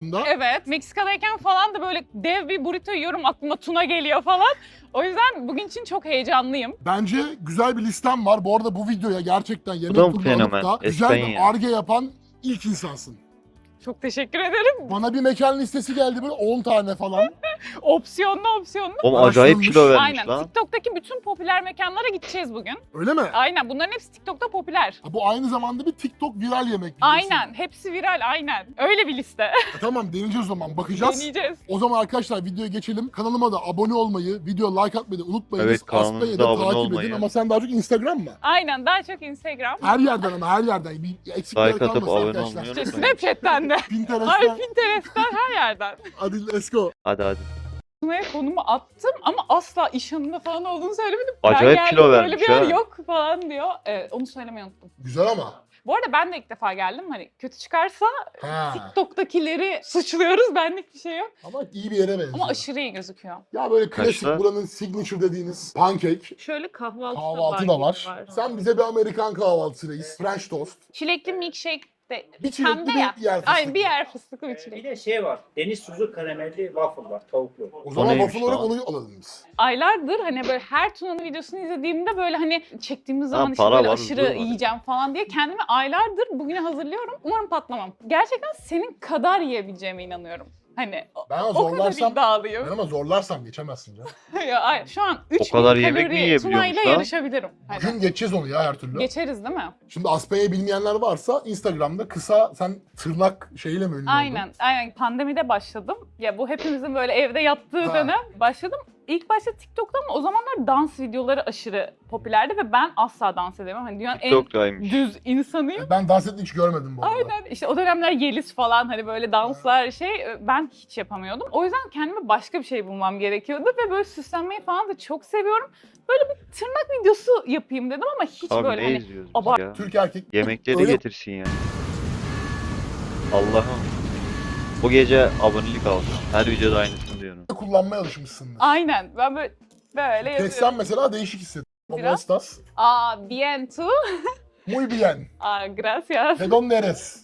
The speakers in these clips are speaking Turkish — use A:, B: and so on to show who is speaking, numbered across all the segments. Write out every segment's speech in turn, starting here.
A: Evet, Meksika'dayken falan da böyle dev bir burrito yiyorum, aklıma tuna geliyor falan. O yüzden bugün için çok heyecanlıyım.
B: Bence güzel bir listem var. Bu arada bu videoya gerçekten yemek
C: da mı
B: turunu alıp
C: fenomen?
B: da güzel bir
C: Espanya.
B: arge yapan ilk insansın.
A: Çok teşekkür ederim.
B: Bana bir mekan listesi geldi böyle 10 tane falan.
A: Opsiyonlu.
C: Oğlum acayip
B: Araştırılmış.
C: kilo vermiş
A: Aynen.
C: lan.
A: TikTok'taki bütün popüler mekanlara gideceğiz bugün.
B: Öyle mi?
A: Aynen. Bunların hepsi TikTok'ta popüler.
B: Ha, bu aynı zamanda bir TikTok viral yemek. biliyorsun.
A: Aynen. Hepsi viral. Aynen. Öyle bir liste.
B: Tamam deneyeceğiz o zaman. Bakacağız.
A: Deneyeceğiz.
B: O zaman arkadaşlar videoya geçelim. Kanalıma da abone olmayı, video like atmayı da unutmayınız.
C: Evet, kanalımıza
B: Aspanya'yı da
C: abone
B: takip
C: olmayı.
B: edin ama sen daha çok Instagram mı?
A: Aynen. Daha çok Instagram.
B: Her yerden ama her yerden. Bir eksikler
C: Like atıp
B: kalmasın
C: abone
B: arkadaşlar.
C: olmayı unutmayın.
A: Snapchat'ten de. Ay
B: Pinterest'ten.
A: Pinterest'ten her yerden.
B: Hadi let's go.
C: Hadi.
A: Tuna'ya konumu attım ama asla iş hanımda falan olduğunu söylemedim.
C: Acayip
A: ben
C: kilo
A: geldim,
C: vermiş
A: böyle bir yer
C: ha.
A: yok falan diyor. Evet, onu söylemeyi unuttum.
B: Güzel ama.
A: Bu arada ben de ilk defa geldim. Hani kötü çıkarsa
B: Ha.
A: TikTok'takileri suçluyoruz. Benlik bir şey yok.
B: Ama iyi bir yere benziyor.
A: Ama aşırı iyi gözüküyor.
B: Ya böyle klasik
C: Kaçta?
B: buranın signature dediğiniz pancake.
A: Şöyle
B: Kahvaltı da var. Sen bize bir Amerikan kahvaltısı reis. French toast.
A: Çilekli milkshake de
B: Bir çilekli
A: pembe ya.
B: bir yer fıstıklı.
A: Ay bir yer fıstıklı bir
D: Bir
A: çilek.
D: de şey var. Deniz tuzu karamelli waffle var. Tavuklu.
B: O zaman
C: neymiş
B: waffle olarak
C: lan?
B: onu alalım biz.
A: Aylardır hani böyle her Tuna'nın videosunu izlediğimde böyle hani çektiğimiz zaman işte
C: para
A: böyle
C: var,
A: aşırı
C: huzur var.
A: yiyeceğim falan diye kendimi aylardır bugüne hazırlıyorum. Umarım patlamam. Gerçekten senin kadar yiyebileceğime inanıyorum. Hani
B: Ben
A: o kadar
B: zorlarsam,
A: iddialıyım.
B: ben ama zorlarsam geçemezsin canım.
A: Ya, ay, şu an 3000
C: kadar yemek mi
A: kalori
C: yiyebiliyormuş
A: Tuna'yla
C: lan?
A: yarışabilirim. Hani
B: Bugün geçeceğiz onu ya her türlü.
A: geçeriz değil mi?
B: Şimdi Aspanya'yı bilmeyenler varsa Instagram'da kısa sen tırnak şeyiyle mi ünlü oldun?
A: Aynen. Pandemide başladım. Ya bu hepimizin böyle evde yattığı
B: Ha.
A: dönem başladım. İlk başta TikTok'ta ama o zamanlar dans videoları aşırı popülerdi ve ben asla dans edemem. Hani dünyanın en
C: TikTok'taymış.
A: düz insanıyım.
B: Ben dans ettiğini hiç görmedim bu arada.
A: Aynen işte o dönemler Yeliz falan hani böyle danslar ben hiç yapamıyordum. O yüzden kendime başka bir şey bulmam gerekiyordu ve böyle süslenmeyi falan da çok seviyorum. Böyle bir tırnak videosu yapayım dedim ama hiç
C: Abi
A: böyle
C: ne
A: hani
C: izliyoruz biz
A: abart-
C: ya?
B: Türk erkek
C: Yemekleri
B: Öyle-
C: getirsin ya. Allah'ım. Bu gece abonelik aldım. Her videoda aynısını diyorum.
B: kullanmaya alışmışsındır.
A: aynen ben böyle yazıyorum.
B: Kessen mesela değişik hissettim. ¿Cómo
A: Biraz.
B: estás?
A: Bien tú.
B: Muy bien.
A: Gracias.
B: ¿De dónde eres?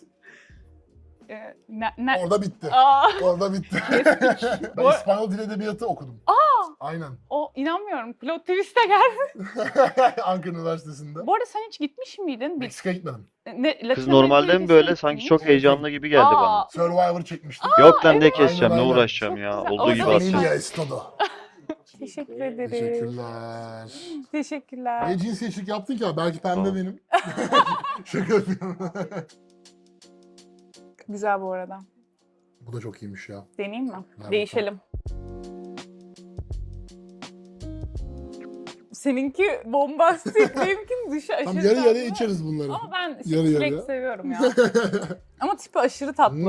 A: Ne?
B: Orada bitti.
A: Aa,
B: Orada bitti. Ben
A: Bu-
B: İspanyol Dil Edebiyatı okudum. Aynen.
A: o inanmıyorum. Plot twist'e geldi.
B: Ankara Üniversitesi'nde.
A: Bu arada sen hiç gitmiş miydin?
B: Meksika'ya gitmedim.
C: Kız normalde mi böyle sanki çok heyecanlı gibi geldi bana.
B: Survivor çekmiştim.
C: Yok lan ne keseceğim ne
B: Aynen.
C: uğraşacağım
A: Çok
C: ya.
A: güzel.
C: Olduğu
A: Orada
C: gibi
A: bir-
C: atacağım.
B: Familia es todo.
A: Teşekkür ederim.
B: Teşekkürler.
A: Teşekkürler.
B: Ne cinsiyetçilik yaptın ki abi? Belki pembe
C: Tamam.
B: benim. Şaka yapıyorum.
A: Güzel bu arada.
B: Bu da çok iyiymiş ya.
A: Deneyeyim mi?
B: Ver
A: Değişelim. Seninki bombastik, benimki dışı aşırı
B: Tam yarı
A: tatlı.
B: yarıya içeriz bunları.
A: Ama ben
B: Yarı
A: çilek
B: yarıya.
A: seviyorum ya. Ama tipi aşırı tatlı.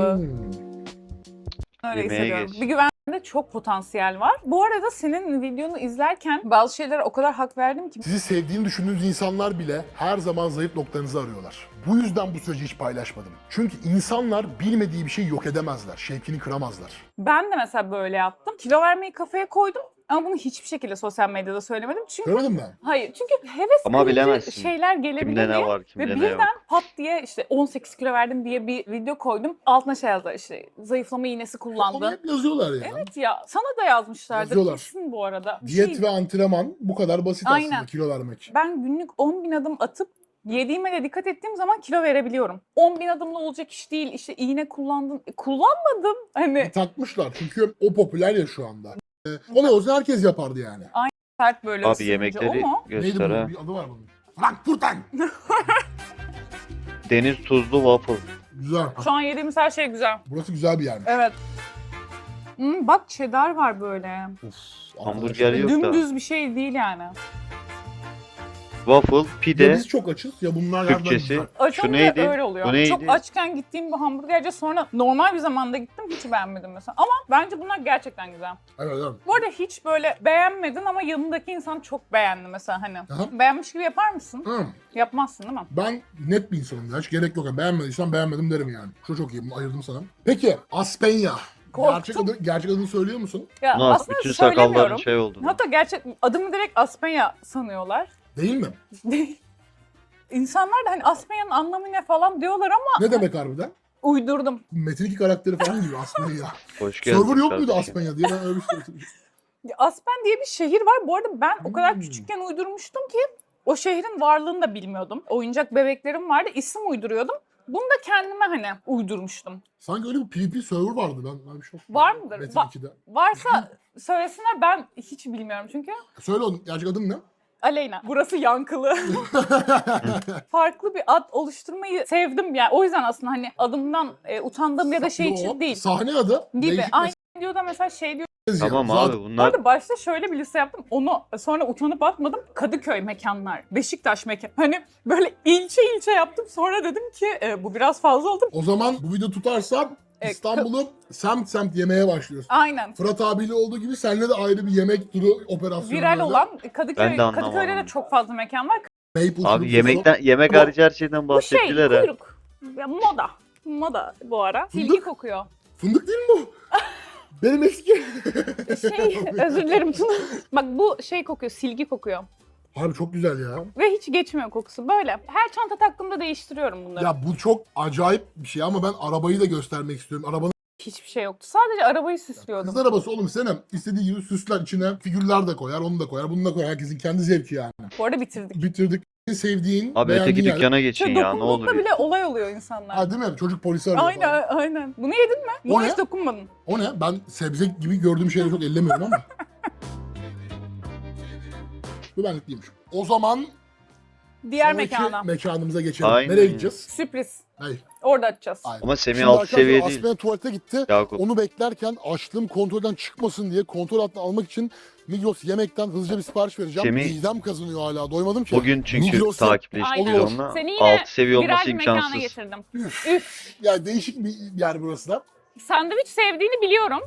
A: Öyle
C: Yemeğe
A: hissediyorum.
C: geç.
A: Bir güvende çok potansiyel var. Bu arada senin videonu izlerken bazı şeylere o kadar hak verdim ki.
B: Sizi sevdiğini düşündüğünüz insanlar bile her zaman zayıf noktanızı arıyorlar. Bu yüzden bu süreci hiç paylaşmadım. Çünkü insanlar bilmediği bir şeyi yok edemezler, şevkini kıramazlar.
A: Ben de mesela böyle yaptım. Kilo vermeyi kafaya koydum. Ama bunu hiçbir şekilde sosyal medyada söylemedim. Çünkü
B: Görmedin mi?
A: hayır. Çünkü heves
C: Ama
A: kırıcı
C: bilemezsin.
A: şeyler gelebilir
C: Kimde ne
A: diye.
C: var
A: Ve
C: kimde ne yok.
A: birden pat diye işte 18 kilo verdim diye bir video koydum. Altına şey yazdılar işte zayıflama iğnesi
B: Onu
A: kullandı.
B: hep yazıyorlar ya.
A: Evet ya sana da yazmışlardı
B: Yazıyorlar.
A: kesin bu arada. Bir
B: Diyet
A: şey-
B: ve antrenman bu kadar basit
A: Aynen.
B: aslında kilo vermek.
A: Ben günlük 10.000 adım atıp yediğime de dikkat ettiğim zaman kilo verebiliyorum. 10.000 adımla olacak iş değil. İşte iğne kullandım. Kullanmadım. Hani
B: Takmışlar çünkü o popüler ya şu anda. Olay olsa herkes yapardı yani.
A: sert böyle
C: Abi
A: ısınınca
C: yemekleri
A: o mu?
B: Neydi
C: göster ha.
B: bunun? Bir adı var bunun. Frankfurten.
C: Deniz tuzlu waffle.
B: Güzel.
A: Şu an yediğimiz her şey güzel.
B: Burası güzel bir yermiş.
A: Evet. Bak cheddar var böyle.
B: Uf,
C: Hamburger
B: arkadaşlar.
C: yok da.
A: Dümdüz bir şey değil yani.
C: Waffle,
B: Ya
C: pide,
B: biz çok açız ya bunlar nereden
C: Türkçesi.
B: güzel.
A: Açınca
C: neydi?
A: öyle oluyor.
C: Bu neydi?
A: Çok açken gittiğim bir hamburgerci sonra normal bir zamanda gittim hiç beğenmedim mesela. Ama bence bunlar gerçekten güzel.
B: Evet evet.
A: Bu arada hiç böyle beğenmedin ama yanındaki insan çok beğendi mesela hani.
B: Aha.
A: Beğenmiş gibi yapar mısın?
B: Hı.
A: Yapmazsın değil mi?
B: Ben net bir insanım ya. Hiç gerek yok. Yani beğenmediysen beğenmedim derim yani. Şu çok iyi. Bunu ayırdım sana. Peki Aspenya.
A: Korktum.
B: Gerçek adını söylüyor musun?
A: Ya
C: Nasıl
A: aslında
C: bütün sakalların
A: söylemiyorum.
C: şey oldu.
A: Hatta gerçek adımı direkt Aspenya sanıyorlar.
B: Değil mi?
A: Değil. İnsanlar da hani Aspenya'nın anlamı ne falan diyorlar ama
B: Ne demek harbiden?
A: Uydurdum.
B: Metin 2 karakteri falan gibi Aspenya.
C: Hoş geldin.
B: Server yok muydu
C: kardeşim.
B: Aspenya diye ben öyle bir şey hatırlıyorum.
A: Aspen diye bir şehir var. Bu arada ben o kadar küçükken uydurmuştum ki o şehrin varlığını da bilmiyordum. Oyuncak bebeklerim vardı. İsim uyduruyordum. Bunu da kendime hani uydurmuştum.
B: Sanki öyle bir PvP server vardı ben öyle bir şey
A: Var mıdır?
B: Metin 2'de.
A: Varsa söylesinler, ben hiç bilmiyorum çünkü.
B: Söyle onun gerçek adın ne?
A: Aleyna. Burası yankılı. Farklı bir ad oluşturmayı sevdim yani. O yüzden aslında hani adımdan utandığım ya da şey
B: Yo,
A: için değil.
B: Sahne adı.
A: Gibi.
B: Değişik
A: Aynı videoda mesela şey diyor.
B: mesaj
C: Tamam
B: yazıyor.
C: abi
A: Bu
C: bunlar
A: arada başta şöyle bir liste yaptım. Onu sonra utanıp atmadım. Kadıköy mekanlar, Beşiktaş mekan. Hani böyle ilçe ilçe yaptım. Sonra dedim ki bu biraz fazla oldu.
B: O zaman bu video tutarsa
A: Evet,
B: İstanbul'u semt semt yemeye başlıyorsun.
A: Aynen.
B: Fırat abiyle olduğu gibi seninle de ayrı bir yemek turu operasyonu.
A: Viral
B: böyle.
A: olan
C: Ben
A: Kadıköy,
C: de anlamadım.
A: Kadıköy'de de çok fazla mekan var.
B: Maple
C: abi
B: şurubu,
C: yemek
B: Ama-
C: hariç her şeyden
A: Bu şey
C: bahsettiler ha.
A: kuyruk. Ya, moda. Moda bu ara.
B: Fındık?
A: Silgi kokuyor.
B: Fındık değil mi bu? Benim eski.
A: Şey, özür dilerim Tuna. Bak bu şey kokuyor, silgi kokuyor.
B: Abi çok güzel ya.
A: Ve hiç geçmiyor kokusu. Böyle. Her çanta taktığımda değiştiriyorum bunları.
B: Ya bu çok acayip bir şey ama ben arabayı da göstermek istiyorum. Arabanın
A: Hiçbir şey yoktu. Sadece arabayı süslüyordum.
B: kız arabası oğlum Senem. İstediği gibi süsler içine figürler de koyar, onu da koyar, bunu da koyar. Herkesin kendi zevki yani.
A: Bu arada bitirdik.
B: Bitirdik. Sevdiğin,
C: Abi
B: beğendiğin
C: öteki
B: yer.
C: dükkana geçin
A: Şey,
C: ya ne olur.
A: dokunduğunda bile olay oluyor insanlar.
B: Ha değil mi? Çocuk polisi arıyor
A: Aynen,
B: falan.
A: aynen. Bunu yedin mi?
B: O
A: Buna
B: ne?
A: hiç dokunmadın.
B: O ne? Ben sebze gibi gördüğüm şeyleri çok ellemiyorum ama. Bu benlik değilmiş. O zaman
A: Diğer
B: sonraki
A: mekana.
B: mekanımıza geçelim.
C: Aynen.
B: Nereye gideceğiz?
A: Sürpriz.
B: Hayır.
A: Orada açacağız.
B: Aynen.
C: Ama Semih
B: Şimdi
C: alt
B: arkadaşlar
C: seviye değil.
B: Aspena tuvalete gitti.
C: Yakup.
B: Onu beklerken açlığım kontrolden çıkmasın diye kontrol altına almak için Migros yemekten hızlıca bir sipariş vereceğim.
C: Semih-
B: Midem kazanıyor hala. Doymadım ki.
C: Bugün çünkü
B: Migros'ta-
C: takipleştik
A: Aynen.
C: biz
B: Olur.
C: onunla.
A: Seni yine
C: Alt seviye
A: viral
C: olması
A: bir mekana
C: imkansız.
A: getirdim.
B: Üf.
A: Üf.
B: Ya değişik bir yer burası da.
A: Sandviç sevdiğini biliyorum.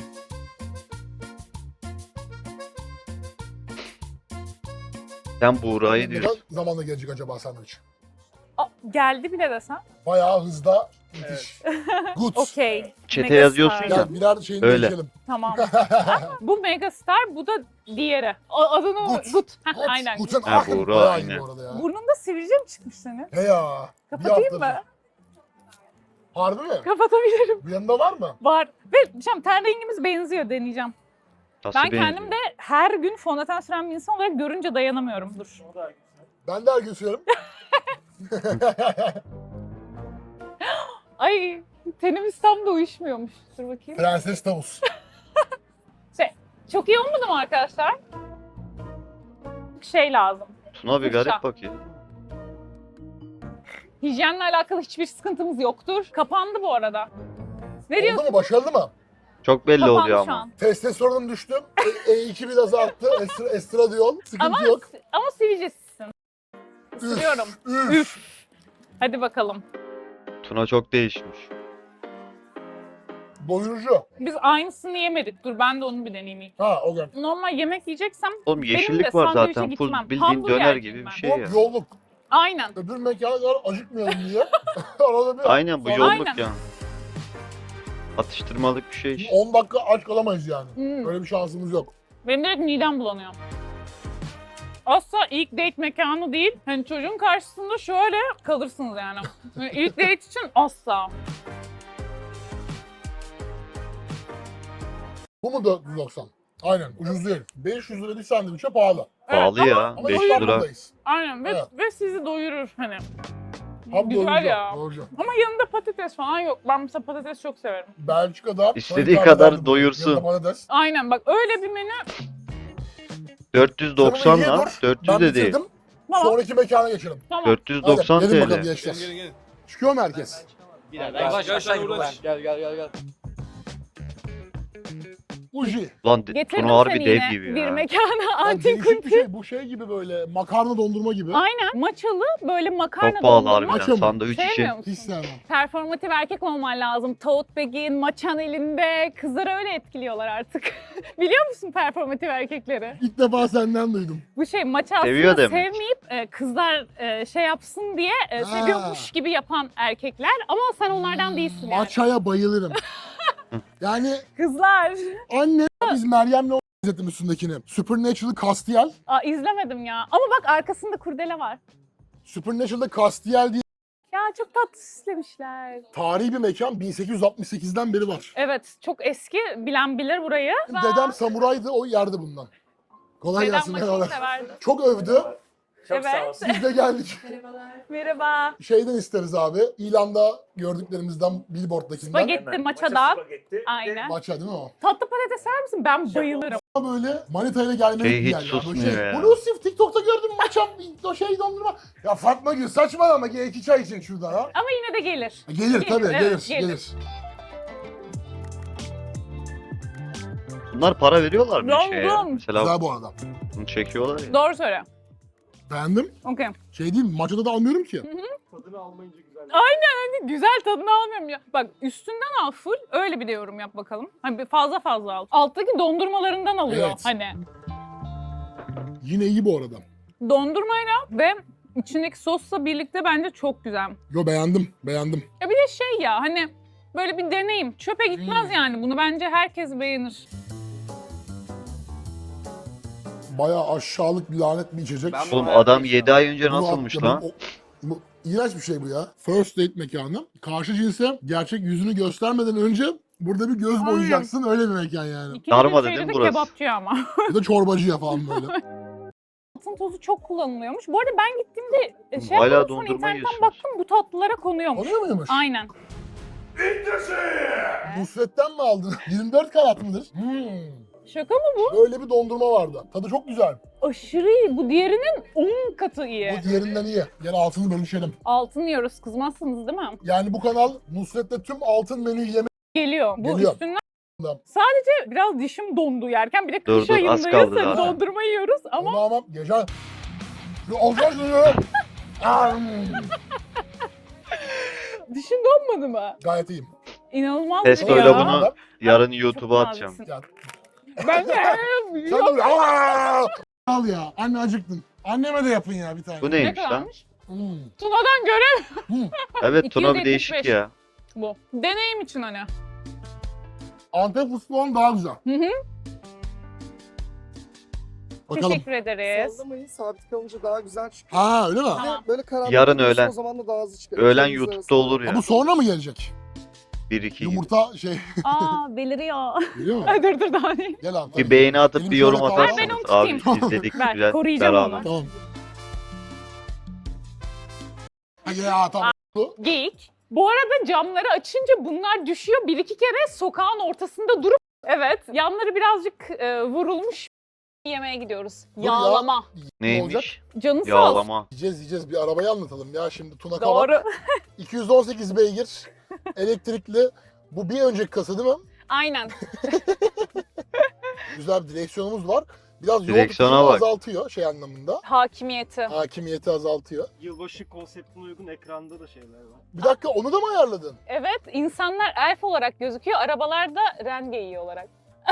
C: Sen Buğra'yı
B: Ne
C: diyorsun.
B: kadar zamanla gelecek acaba sandviç?
A: Geldi bile desem.
B: Bayağı hızda müthiş. Good.
A: Okey.
C: Çete
A: Megastar.
C: yazıyorsun ya.
B: Ya birer şeyini
C: Öyle.
B: değişelim.
A: Tamam. Bu Megastar, bu da diğeri. Adını
B: Gut.
A: Gut. Heh,
B: Gut.
A: aynen.
B: Guten
C: Ha,
B: Abend.
C: Buğra,
B: Bayağı iyi
C: aynen.
B: bu arada ya.
A: Burnunda sivilce mi çıkmış senin?
B: He ya. Bir
A: Kapatayım
B: haftadır.
A: mı?
B: Harbi mi?
A: Kapatabilirim.
B: Bu yanında var mı?
A: Var. Ve ten rengimiz benziyor, deneyeceğim.
C: Nasıl
A: Ben
C: benziyor?
A: kendim de her gün fondöten süren bir insan olarak görünce dayanamıyorum. Dur.
B: Ben de her gün sürüyorum.
A: Ay, tenimiz tam da uyuşmuyormuş. Dur bakayım.
B: Prenses tavus.
A: Çok iyi olmadı mı arkadaşlar? Şey lazım.
C: Tuna bir
A: Fırça.
C: garip bakıyor.
A: Hijyenle alakalı hiçbir sıkıntımız yoktur. Kapandı bu arada. Ne diyorsun?
B: Oldu mu? Başarılı mı?
C: Çok belli
A: Kapandı
C: oluyor
A: şu
C: ama.
A: an.
B: Testosteronum düştü. E2 biraz arttı. Estradiol. Sıkıntı
A: Ama,
B: yok.
A: ama sivilcesisin. Sürüyorum.
B: Üf.
A: Hadi bakalım.
C: Tuna çok değişmiş.
B: Doyurucu.
A: Biz aynısını yemedik. Dur ben de onu bir deneyeyim ilk.
B: Ha o gün.
A: Normal yemek yiyeceksem
C: Oğlum
A: benim de
C: yeşillik var
A: sandviçe
C: zaten. Full
A: gitmem.
C: bildiğin
A: Hamburger
C: döner
A: yiyeyim
C: gibi
A: ben.
C: bir şey ya.
B: Hop yolluk.
A: Aynen.
B: Öbür mekana kadar acıkmayalım diye. Arada bir
C: Aynen bu
B: Sonra
C: yolluk
A: Aynen.
C: ya. Atıştırmalık bir şey.
B: 10 dakika aç kalamayız yani.
A: Hmm.
B: Öyle bir şansımız yok.
A: Benim direkt midem bulanıyor. Asla ilk date mekanı değil. Hani çocuğun karşısında şöyle kalırsınız yani. Yani ilk date için asla.
B: Bu mu 490? Aynen ucuz değil. 500 lira bir sandviçe pahalı.
C: Pahalı
A: Evet,
C: ya.
B: Ama
C: 5 lira.
B: İstanbul'dayız.
A: Aynen ve,
B: Evet.
A: ve sizi doyurur hani.
B: Tam
A: Güzel
B: doyurucu.
A: ya.
B: Doyurucu.
A: Ama yanında patates falan yok. Ben mesela patates çok severim.
B: Belçika'da
C: İstediği
B: sana
C: kadar
B: hitap ederdi bu.
C: doyursun.
B: Yanında patates.
A: Aynen bak öyle bir menü.
C: 490
B: Sen onu ye
C: lan.
B: dur.
C: 400
B: Ben
C: de değil.
B: bitirdim.
A: Tamam.
B: Sonraki mekana geçelim.
A: Tamam.
C: 490
B: Hadi, gelin bakalım
C: TL.
B: gençler. Çıkıyor mu herkes?
E: Yavaş aşağı gir buradan. Gel.
B: Uji.
C: Lan
A: Getirdim
C: Tuna harbi
A: seni
C: dev
A: yine
C: gibi
A: bir
C: ya.
A: mekana
B: Ya
A: antin
B: değişik bir
A: kunti.
B: şey. Bu şey gibi böyle makarna dondurma gibi.
A: Aynen. Maçalı böyle makarna
C: Çok pahalı
A: dondurma.
B: Maça
C: harbiden.
B: mı?
C: Sandviç için.
A: Sevmiyor
B: Hiç
A: musun?
B: sevmem.
A: Performatif erkek olman lazım. Tote bag'in, maçan elinde. Kızları öyle etkiliyorlar artık. Biliyor musun performatif erkekleri?
B: İlk defa senden duydum.
A: Bu şey maçı
C: Seviyor
A: aslında
C: demek.
A: sevmeyip kızlar şey yapsın diye seviyormuş gibi yapan erkekler. Ama sen onlardan değilsin yani.
B: Maçaya bayılırım. Yani
A: Kızlar.
B: anne biz Meryem'le o izledim üstündekini. Supernatural Castiel.
A: Aa, izlemedim ya. Ama bak arkasında kurdele var.
B: Supernatural'da Castiel diye
A: Ya çok tatlı süslemişler.
B: Tarihi bir mekan 1868'den beri var.
A: Evet, çok eski. Bilen bilir burayı.
B: Dedem samuraydı, o yerdi bundan. Kolay
A: Dedem
B: gelsin.
A: maçını
B: Merhabalar.
A: severdi.
B: Çok övdü.
D: Çok
A: Evet.
D: sağ olsun.
B: Biz de geldik.
A: Merhaba.
B: Şeyden isteriz abi. İlanda gördüklerimizden, billboarddakinden.
A: Spagetti,
D: Hemen.
A: maçadan.
D: Spagetti.
A: Aynen.
B: Maça değil mi o?
A: Tatlı patates sever misin? Ben bayılırım.
B: Böyle manitayla gelmelik
C: Şey
B: bir
C: hiç
B: yer ya. Böyle
C: susmuyor ya.
B: Bluesif TikTok'ta gördüm maçam, o şey dondurma. Ya Fatma Gül saçmalama, gel 2 çay için şurada ha.
A: Ama yine de gelir.
B: Gelir tabii,
A: evet,
B: gelir.
C: Bunlar para veriyorlar mı
A: Dom
C: şeye? ya?
A: dom.
C: Mesela
B: Güzel bu arada.
C: bunu çekiyorlar ya.
A: Doğru söyle.
B: Beğendim.
A: Okey.
B: Şey değil mi? Maçada da almıyorum ki.
D: Tadını almayınca güzel.
A: Güzel tadını almıyorum ya. Bak üstünden al full. Öyle bir de yorum yap bakalım. Hani bir fazla al. Alttaki dondurmalarından alıyor.
B: Evet.
A: Hani
B: Yine iyi bu arada.
A: dondurmayla ve içindeki sosla birlikte bence çok güzel.
B: Yo beğendim.
A: Ya bir de şey ya hani böyle bir deneyim. Çöpe gitmez yani. Bunu bence herkes beğenir.
B: Bayağı aşağılık bir lanet bir içecek.
E: Ben
C: Oğlum adam 7 ay önce
B: Bunu
C: nasılmış
B: attım.
C: lan?
B: Bu iğrenç bir şey bu ya. First date mekanı. Karşı cinse gerçek yüzünü göstermeden önce burada bir göz
A: Aynen.
B: boyayacaksın. Öyle bir mekan yani.
A: İkinci
C: Darma
A: bir şeyde
C: dedim
A: de
C: burası.
A: kebapçı ama.
B: Bir de çorbacıya falan böyle.
A: Altın tozu çok kullanılıyormuş. Bu arada ben gittiğimde şey
C: Hala
A: yapmadım, sonra
C: dondurma
A: internetten
C: yiyorsunuz.
A: baktım bu tatlılara konuyormuş.
B: Oluyor muymuş?
A: Aynen.
B: Nusret'ten mi aldın? 24 karat mıdır?
A: Şaka mı bu?
B: Böyle bir dondurma vardı. Tadı çok güzel.
A: Aşırı iyi. Bu diğerinin 10 katı iyi.
B: Bu diğerinden iyi. Gel altını bölüşelim.
A: Altın yiyoruz. Kızmazsınız değil mi?
B: Yani bu kanal Nusret'te tüm altın menüyü yemek.
A: Geliyor. Bu
B: Geliyor.
A: üstünden sadece biraz dişim dondu yerken. Bir de
C: Dur,
A: kış
C: dur, az
A: ayındayız.
C: kaldı
A: Hani
C: zaten.
A: dondurma yiyoruz ama
B: Ama gece... Olacak mı?
A: dişin donmadı mı?
B: Gayet iyiyim.
A: İnanılmaz
C: Test
A: bir
C: öyle
A: ya.
C: bunu yarın YouTube'a
A: Çok
C: atacağım.
A: naziksin.
B: Ya,
A: Ben de
B: sen de böyle... Aa! Al ya. Anne acıktın. Anneme de yapın ya bir tane.
C: Bu
A: ne
C: neymiş lan?
A: kadarmış?
B: Hmm.
A: Tuna'dan göre
C: Evet Tuna bir
A: 275.
C: değişik ya.
A: bu. Deneyim için hani.
B: Antep fıstığı olan daha güzel.
A: Hı hı.
B: Bakalım.
A: Teşekkür ederiz.
F: Sallamayın, sabit kalınca daha güzel çıkıyor.
B: Ha öyle mi?
A: Tamam.
F: Böyle karanlık
C: Yarın
F: olursa
C: öğlen.
F: O zaman da daha hızlı çıkıyor.
C: Öğlen
F: İkimiz
C: YouTube'da
F: arasında.
C: olur
B: Ha,
C: ya.
B: bu sonra mı gelecek?
C: 1-2 gibi.
B: Yumurta şey...
A: Aa beliriyor.
B: Biliyor musun?
A: Ay, dur daha değil.
B: Gel abi.
C: Bir beğeni atıp
B: Benim
C: bir yorum
B: şöyle kaldı.
C: atarsınız.
A: Ben onu tutayım.
C: Abi izledik
A: Ver,
C: güzel.
A: koruyacağım
C: beraber.
A: onu.
B: Tamam. Hadi ya tamam.
A: Geyik. Bu arada camları açınca bunlar düşüyor. Bir iki kere sokağın ortasında durup evet yanları birazcık vurulmuş yemeğe gidiyoruz.
B: Dur ya.
A: Yağlama.
C: Neymiş?
A: Canı sağ olsun.
C: Yağlama.
B: Yiyeceğiz bir arabayı anlatalım ya şimdi Tuna Kavak.
A: Doğru.
B: 218 beygir elektrikli. Bu bir önceki kasa değil mi?
A: Aynen.
B: Güzel bir direksiyonumuz var. Biraz yol
C: Direksiyona
B: tutuşunu
C: bak.
B: azaltıyor şey anlamında.
A: Hakimiyeti.
B: Hakimiyeti azaltıyor.
G: Yılbaşı konseptine uygun ekranda da şeyler var.
B: Bir dakika onu da mı ayarladın?
A: Evet insanlar elf olarak gözüküyor. Arabalarda rengeyi olarak.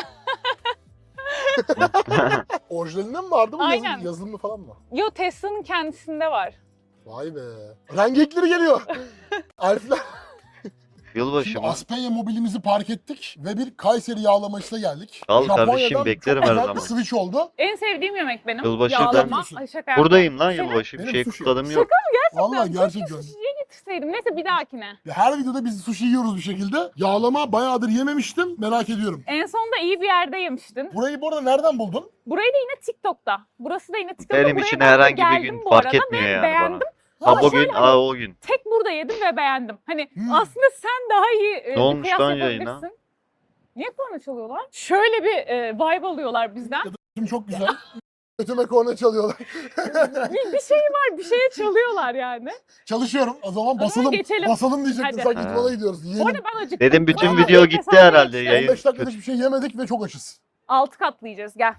B: Orijinalinde mi vardı bu
A: Aynen.
B: yazılımı falan mı?
A: Yo Tesla'nın kendisinde var.
B: Vay be. Rengekleri geliyor. Elfler.
C: Yılbaşı
B: Şimdi
C: mı?
B: Aspenya mobilimizi park ettik ve bir Kayseri yağlamasına geldik.
C: Al kardeşim,
B: Japonya'dan
C: beklerim
B: çok
C: her
B: güzel
C: zaman.
B: bir switch oldu.
A: En sevdiğim yemek benim.
C: Yılbaşı
A: Yağlama.
B: ben-
A: Ay şaka yapma.
C: Buradayım lan
A: Senin-
C: yılbaşı. Bir
B: Benim
C: şey
B: sushi.
C: kutladım yok.
B: Vallahi
A: Keşke
B: gerçekten.
A: sushi'ye getirseydim. Neyse bir dahakine.
B: Her videoda biz sushi yiyoruz bir şekilde. Yağlama bayağıdır yememiştim. Merak ediyorum.
A: En sonunda iyi bir yerde yemiştin.
B: Burayı bu arada nereden buldun?
A: Burayı da yine TikTok'ta. Burası da yine TikTok'ta.
C: Benim
A: Buraya
C: için
A: ben de
C: herhangi bir
A: geldim
C: gün
A: bu
C: fark
A: arada
C: etmiyor
A: ve
C: yani
A: beğendim.
C: bana.
A: Ama
C: Ha bugün,
A: şöyle
C: ha o gün.
A: Tek burada yedim ve beğendim. Hani
B: Hmm.
A: aslında sen daha iyi bir
C: olmuş
A: kıyas
C: lan
A: yapabilirsin.
C: yayına?
A: Niye korna çalıyorlar? Şöyle bir vibe alıyorlar bizden.
B: Şimdi çok güzel. Götüme korna çalıyorlar.
A: bir şey var, bir şeye çalıyorlar yani.
B: Çalışıyorum. O zaman
A: zaman
B: basalım.
A: geçelim.
B: Basalım diyecektim.
A: Hadi.
B: Sanki
C: Ha.
B: idmana gidiyoruz.
A: Bu
B: Yiyelim.
A: arada ben acıktım.
C: Dedim bütün
A: Bayağı
C: video
A: bir
C: gitti
A: mesafe
C: herhalde
A: geçti.
C: yayın.
B: 15 dakikada hiçbir şey yemedik ve çok açız.
A: 6 katlayacağız gel.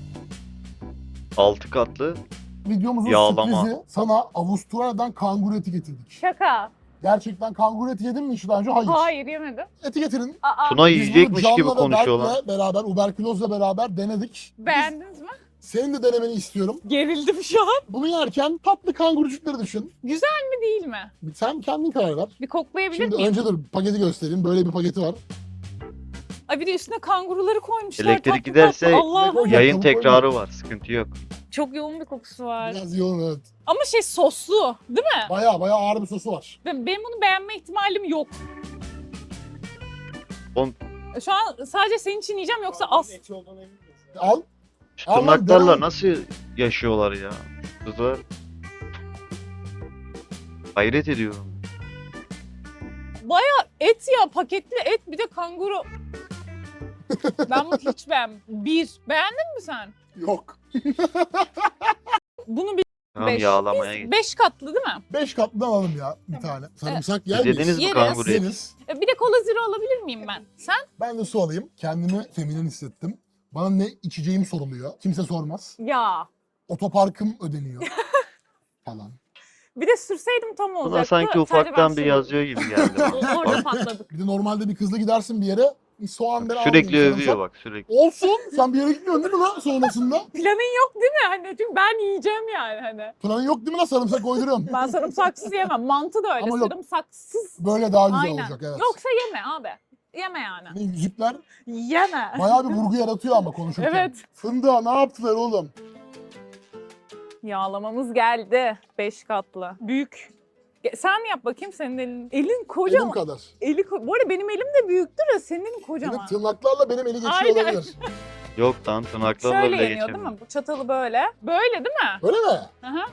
C: 6 katlı.
B: Videomuzun
C: Yağlama.
B: sürprizi sana Avustralya'dan kanguru eti getirdik.
A: Şaka.
B: Gerçekten kanguru eti yedin mi hiç daha önce? Hayır.
A: Hayır yemedim.
B: Eti getirin.
A: Aa,
C: Tuna
B: Biz bunu
C: yiyecekmiş gibi
B: Can'la ve
C: konuşuyorlar.
B: Berk'le beraber, uberkülozla beraber denedik.
A: beğendiniz mi?
B: Senin de denemeni istiyorum.
A: Gerildim şu an.
B: Bunu yerken tatlı kangurucukları düşün.
A: Güzel mi değil mi?
B: Sen kendin karar ver.
A: Bir koklayabilir
B: Şimdi
A: miyim?
B: önce dur paketi göstereyim. Böyle bir paketi var.
A: Ay bir de üstüne kanguruları koymuşlar.
C: Elektrik
A: tatlı
C: giderse
A: tatlı. Allah'ım.
B: Hocam,
C: Yayın
B: tavuk
C: tekrarı var. Sıkıntı yok.
A: Çok yoğun bir kokusu var.
B: Biraz yoğun evet.
A: Ama şey soslu değil mi?
B: Baya ağır bir sosu var.
A: Benim bunu beğenme ihtimalim yok.
C: Oğlum-
A: Şu an sadece senin için yiyeceğim yoksa az.
G: Eti olduğuna emin misin?
B: Al.
C: Şu
B: Ama
C: tırnaklarla
B: devam-
C: nasıl yaşıyorlar ya? Kızlar. Hayret ediyorum.
A: Et ya, paketli et, bir de kanguru. Ben bunu hiç beğenmedim. Beğendin mi sen?
B: Yok.
A: Bunu bir
C: Tamam
A: Beş.
C: yağlamaya git.
A: 5 katlı değil mi?
B: 5 katlı alalım ya bir tane. Sarımsak yer
C: Siz
B: miyiz?
C: yediniz mi
A: Yeriz.
C: kanguru eti?
B: Yeriz.
A: Bir de kola zero alabilir miyim ben? Sen?
B: Ben de su alayım. Kendimi feminen hissettim. Bana ne içeceğim soruluyor. Kimse sormaz.
A: Ya.
B: Otoparkım ödeniyor. falan.
A: Bir de sürseydim tam olacaktı.
C: Buna sanki
A: Sadece
C: ufaktan
A: ben
C: bir
A: sürdüm.
C: yazıyor gibi geldi.
A: Orada patladık.
B: Bir de normalde bir kızla gidersin bir yere. Soğan ben
C: Sürekli
B: almayayım,
C: övüyor
B: sarımsak.
C: bak sürekli.
B: Olsun. Sen bir yere gitmiyorsun değil mi lan sonrasında?
A: Planın yok değil mi? Hani çünkü ben yiyeceğim yani hani.
B: Planın yok değil mi lan sarımsak koyduruyorum.
A: Ben sarımsaksız yemem. Mantı da öyle.
B: Ama yok.
A: Sarımsaksız.
B: Böyle daha güzel
A: Aynen.
B: olacak evet.
A: Yoksa yeme abi. Yeme yani.
B: Yani yüzükler
A: Yeme.
B: bayağı bir vurgu yaratıyor ama konuşurken.
A: Evet.
B: Fındığa ne yaptılar oğlum?
A: Yağlamamız geldi. 5 katlı. Büyük. Sen yap bakayım, senin elin. Elin kocaman.
B: Elim kadar.
A: Bu arada benim elim de büyüktür ya, senin elin
B: Benim
A: kocaman.
B: tırnaklarla benim eli geçiyor
A: Aynen.
B: olabilir.
C: Yok lan tırnaklarla
A: Şöyle
C: bile
A: yeniyor değil
C: geçemiyor.
A: mi? Bu çatalı böyle. Böyle değil mi?
B: Öyle mi?
A: Aha.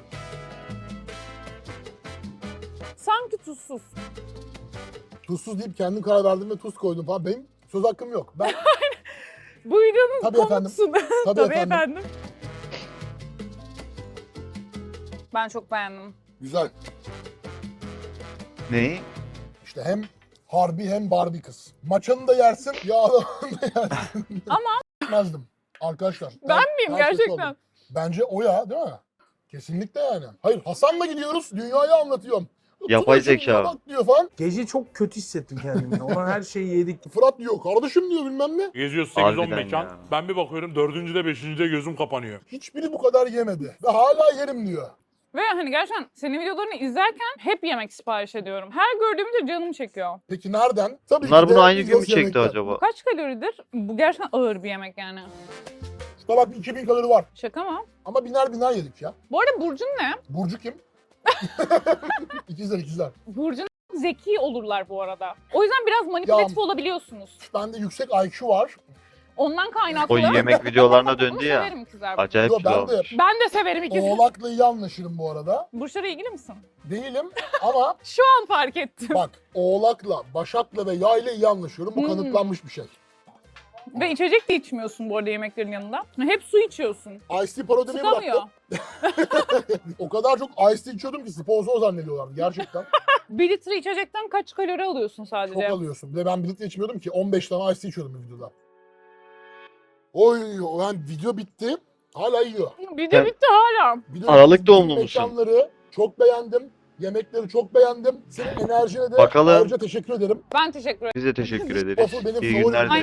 A: Sanki tuzsuz.
B: Tuzsuz deyip kendim karar verdim ve tuz koydum falan. Benim söz hakkım yok. Ben
A: Bu videonun
B: Tabii efendim.
A: konusu.
B: tabii,
A: Tabii
B: efendim.
A: efendim. Ben çok beğendim.
B: Güzel.
C: Neyi?
B: İşte hem harbi hem Barbie kız. Maçanı da yersin, yağlamanı da yersin.
A: Ama
B: Gitmezdim. Arkadaşlar.
A: ben miyim
B: ters köşe
A: gerçekten?
B: oldum. Bence o ya değil mi? Kesinlikle yani. Hayır Hasan'la gidiyoruz. Dünyayı anlatıyorum.
C: Yapay
B: Tuna şuraya
C: zeka.
B: Bak diyor falan.
D: Gece çok kötü hissettim kendimi. Olan her şeyi yedik.
B: Fırat diyor kardeşim diyor bilmem ne.
H: Geziyoruz 8-10
C: Harbiden
H: mekan.
C: ya.
H: Ben bir bakıyorum 4. 5. gözüm kapanıyor.
B: Hiçbiri bu kadar yemedi. Ve hala yerim diyor.
A: Ve hani gerçekten senin videolarını izlerken hep yemek sipariş ediyorum. Her gördüğümde canım çekiyor.
B: Peki nereden? Tabii
C: Bunlar
B: ki de
C: bunu aynı gün mü
B: Migros
C: çekti
B: yemekten.
C: acaba?
A: Kaç kaloridir? Bu gerçekten ağır bir yemek yani.
B: Şuna bak 2000 kalori var.
A: Şaka mı?
B: Ama biner yedik ya.
A: Bu arada Burcu'nun ne?
B: Burcu kim? ikizler.
A: Burcu'nun zeki olurlar bu arada. O yüzden biraz manipülatif olabiliyorsunuz.
B: Bende yüksek IQ var.
A: Ondan kaynaklı.
C: O yemek videolarına
A: Bunu
C: döndü ya.
A: severim ikizler.
C: Acayip
B: Yo,
C: kilo
B: ben de
C: almış.
A: Ben de severim ikizler.
B: Oğlak'la iyi anlaşırım bu arada.
A: Burçlara ilgili misin?
B: Değilim ama
A: Şu an fark ettim.
B: bak Oğlak'la, Başak'la ve Yay'la iyi anlaşıyorum. Bu
A: Hmm.
B: kanıtlanmış bir şey.
A: Ve içecek de içmiyorsun bu arada yemeklerin yanında. Hep su içiyorsun.
B: Ice Tea parodimi
A: Sıkamıyor.
B: bıraktım. O kadar çok Ice Tea içiyordum ki sponsor zannediyorlardı gerçekten.
A: 1 litre içecekten kaç kalori alıyorsun
B: Çok
A: sadece?
B: alıyorsun. Bir de ben bir litre içmiyordum ki 15 tane Ice Tea içiyordum bir videoda. Oy yani video bitti. Hala yiyor.
A: Bir de
C: Ben-
A: bitti hala.
B: Video
C: Aralık
B: bitti.
C: doğumlu musun?
B: Mekanları çok beğendim. Yemekleri çok beğendim. Senin enerjine de
C: Bakalım.
B: ayrıca teşekkür ederim.
A: Ben teşekkür ederim.
C: Biz de teşekkür ederiz.
B: Waffle benim
C: İyi
B: favorim.
C: günler dileriz.